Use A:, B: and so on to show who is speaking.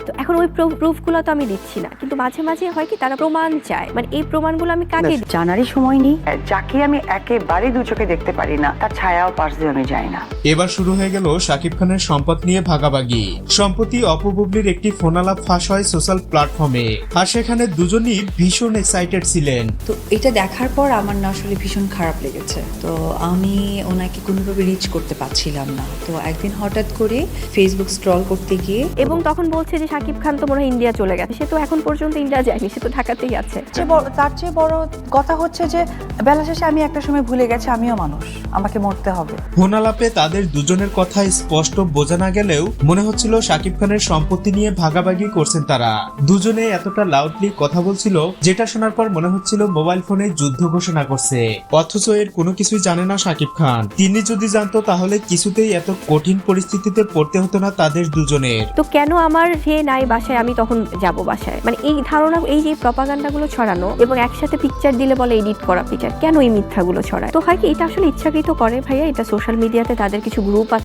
A: তো এখন ওই প্রুফগুলো তো আমি দিচ্ছি না, কিন্তু মাঝে মাঝে হয় কি তারা প্রমাণ চায়, মানে এই প্রমাণগুলো আমি কাকে
B: জানারই সময় নেই। যাকে আমি একেবারে দু চোখে দেখতে পারি না তার ছায়াও পাশ দিয়ে আমি যাই না।
C: এবার শুরু হয়ে গেল শাকিব খানের সম্পদ নিয়ে ভাগাভাগি। সম্প্রতি অপু বুবলির একটি ফোনালাপ ফাঁস হয় সোশ্যাল প্ল্যাটফর্মে, আর সেখানে দুজনই ভীষণ এক্সাইটেড ছিলেন।
D: তো এটা দেখার পর আমার না আসলে ভীষণ খারাপ লেগেছে। তো আমি ওনাকে কোনোভাবে রিচ করতে পারছিলাম না। তো একদিন হঠাৎ করে ফেসবুক স্ক্রল করতে গিয়ে
A: এবং তখন বলছে যে শাকিব খান তো মনে হয় ইন্ডিয়া চলে গেছে। সে তো এখন পর্যন্ত ইন্ডিয়া যায়নি, সে তো ঢাকাতেই আছে।
B: তার চেয়ে বড় কথা হচ্ছে যে বেলা শেষে আমি একটা সময় ভুলে গেছি আমিও মানুষ, আমাকে মরতে হবে।
C: ফোনালাপে তাদের দুজনের কথা স্পষ্ট বোঝা না গেলেও মনে হচ্ছিল শাকিব খানের সম্পত্তি নিয়ে ভাগাভাগি করছেন তারা। দুজনে এতটা লাউডলি কথা বলছিল যেটা শোনার পর মনে হচ্ছিল মোবাইল ফোনে যুদ্ধ ঘোষণা করছে, অথচ এর কোনো কিছুই জানে না শাকিব খান। তিনি যদি জানতো তাহলে কিছুতেই এত কঠিন পরিস্থিতিতে পড়তে হতো না তাদের দুজনের।
A: তো কেন আমার যে নাই বাসায় আমি তখন যাব বাসায়, মানে এই ধারণা, এই যে প্রপাগান্ডাগুলো ছড়ানো এবং একসাথে পিকচার দিলে বলে এডিট করা পিকচার, কেন এই মিথ্যাগুলো ছড়ায়? তো হয় কি এটা আসলে ইচ্ছাকৃত করে ভাইয়া, এটা সোশ্যাল মিডিয়াতে তাদের কিছু গ্রুপ আছে